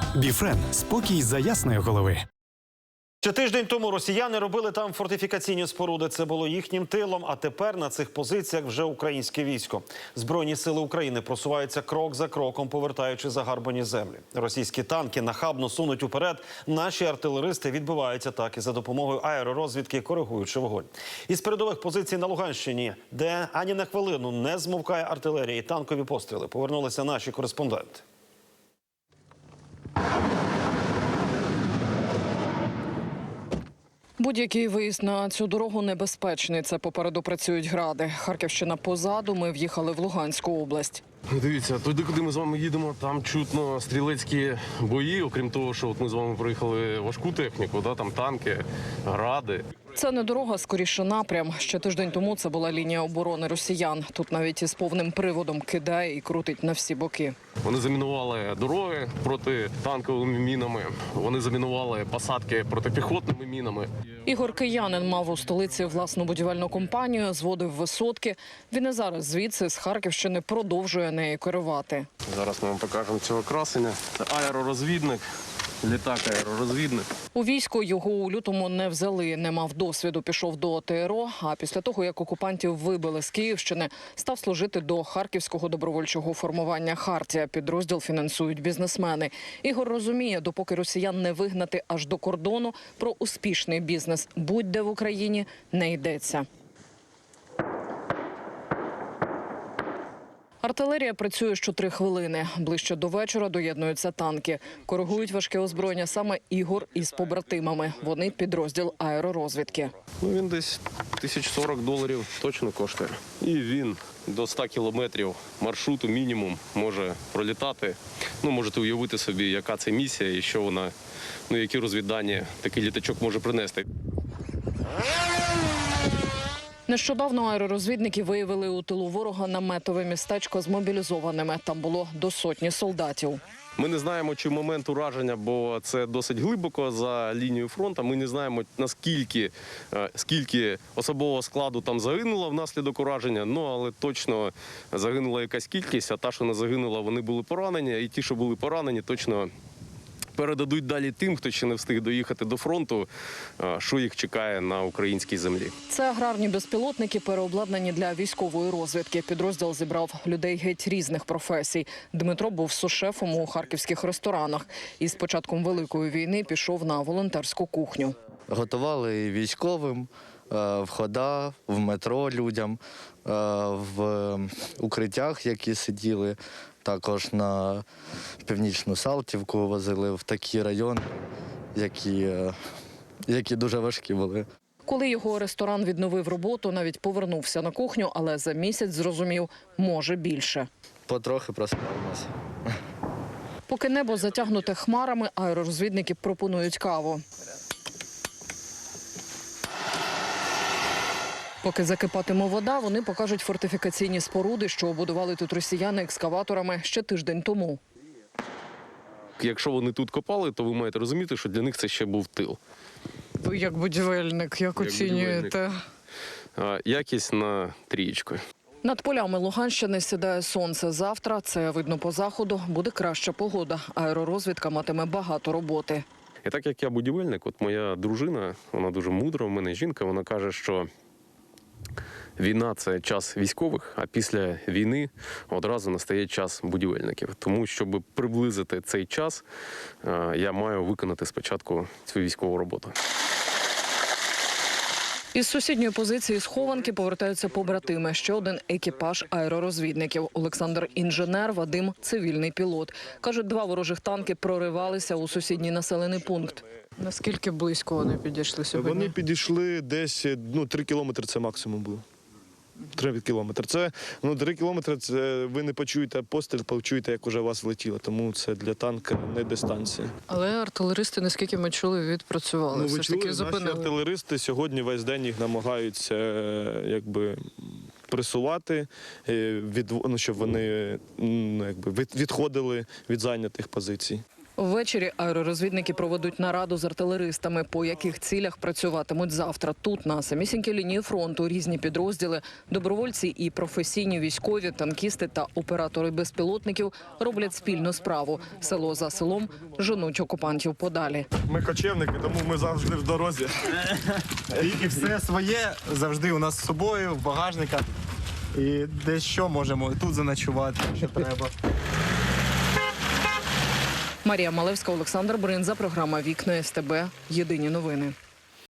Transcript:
Біфрен – спокій за ясної голови. Ще тиждень тому росіяни робили там фортифікаційні споруди. Це було їхнім тилом, а тепер на цих позиціях вже українське військо. Збройні сили України просуваються крок за кроком, повертаючи загарбані землі. Російські танки нахабно сунуть уперед. Наші артилеристи відбивають атаки за допомогою аеророзвідки, коригуючи вогонь. Із передових позицій на Луганщині, де ані на хвилину не змовкає артилерія і танкові постріли, повернулися наші кореспонденти. Будь-який виїзд на цю дорогу небезпечний. Це попереду працюють гради. Харківщина позаду, ми в'їхали в Луганську область. Дивіться, туди, куди ми з вами їдемо, там чутно стрілецькі бої, окрім того, що от ми з вами проїхали важку техніку, там танки, гради. Це не дорога, скоріше напрям. Ще тиждень тому це була лінія оборони росіян. Тут навіть із повним приводом кидає і крутить на всі боки. Вони замінували дороги протитанковими мінами, вони замінували посадки протипіхотними мінами. Ігор Киянин мав у столиці власну будівельну компанію, зводив висотки. Він і зараз звідси, з Харківщини, продовжує нею керувати. Зараз ми вам покажемо цього красення. Це аеророзвідник. Літак-аеророзвідник. У війську його у лютому не взяли, не мав досвіду, пішов до ТРО, а після того, як окупантів вибили з Київщини, став служити до Харківського добровольчого формування «Хартія». Підрозділ фінансують бізнесмени. Ігор розуміє, допоки росіян не вигнати аж до кордону, про успішний бізнес будь-де в Україні не йдеться. Артилерія працює що 3 хвилини. Ближче до вечора доєднуються танки. Коригують важке озброєння саме Ігор із побратимами. Вони підрозділ аеророзвідки. Він десь $1040 точно коштує. І він до 100 кілометрів маршруту мінімум може пролітати. Можете уявити собі, яка це місія і що вона, які розвіддані такий літачок може принести. Нещодавно аеророзвідники виявили у тилу ворога наметове містечко з мобілізованими. Там було до 100 солдатів. Ми не знаємо, чи момент ураження, бо це досить глибоко за лінією фронту. Ми не знаємо, скільки особового складу там загинуло внаслідок ураження, але точно загинула якась кількість, а та, що не загинула, вони були поранені, і ті, що були поранені, точно передадуть далі тим, хто ще не встиг доїхати до фронту, що їх чекає на українській землі. Це аграрні безпілотники, переобладнані для військової розвідки. Підрозділ зібрав людей геть різних професій. Дмитро був сушефом у харківських ресторанах. І з початком Великої війни пішов на волонтерську кухню. Готували і військовим, в ходах, в метро людям, в укриттях, які сиділи. Також на Північну Салтівку возили, в такі райони, які дуже важкі були. Коли його ресторан відновив роботу, навіть повернувся на кухню, але за місяць зрозумів, може більше. Потрохи просправимося. Поки небо затягнуте хмарами, аеророзвідники пропонують каву. Поки закипатиме вода, вони покажуть фортифікаційні споруди, що обудували тут росіяни екскаваторами ще тиждень тому. Якщо вони тут копали, то ви маєте розуміти, що для них це ще був тил. Ви як будівельник, як оцінюєте? Якість на 3. Над полями Луганщини сідає сонце. Завтра, це видно по заходу, буде краща погода. Аеророзвідка матиме багато роботи. І так як я будівельник, от моя дружина, вона дуже мудра, в мене жінка, вона каже, що війна – це час військових, а після війни одразу настає час будівельників. Тому, щоб приблизити цей час, я маю виконати спочатку цю військову роботу. Із сусідньої позиції схованки повертаються побратими. Ще один екіпаж аеророзвідників. Олександр – інженер, Вадим – цивільний пілот. Кажуть, 2 ворожих танки проривалися у сусідній населений пункт. Наскільки близько вони підійшли сьогодні? Вони підійшли десь 3 кілометри, це максимум було. 3 кілометри. 3 кілометри, це ви не почуєте постріл, почуєте, як уже вас влетіло. Тому це для танка не дистанція. Але артилеристи, наскільки ми чули, відпрацювали. Ви чули, наші артилеристи сьогодні весь день їх намагаються пресувати, щоб вони відходили від зайнятих позицій. Ввечері аеророзвідники проведуть нараду з артилеристами, по яких цілях працюватимуть завтра. Тут, на самісінькій лінії фронту, різні підрозділи, добровольці і професійні військові, танкісти та оператори безпілотників роблять спільну справу. Село за селом женуть окупантів подалі. Ми кочівники, тому ми завжди в дорозі. І все своє завжди у нас з собою, в багажниках. І десь що можемо тут заночувати, якщо треба. Марія Малевська, Олександр Бринза, програма «Вікна СТБ». Єдині новини.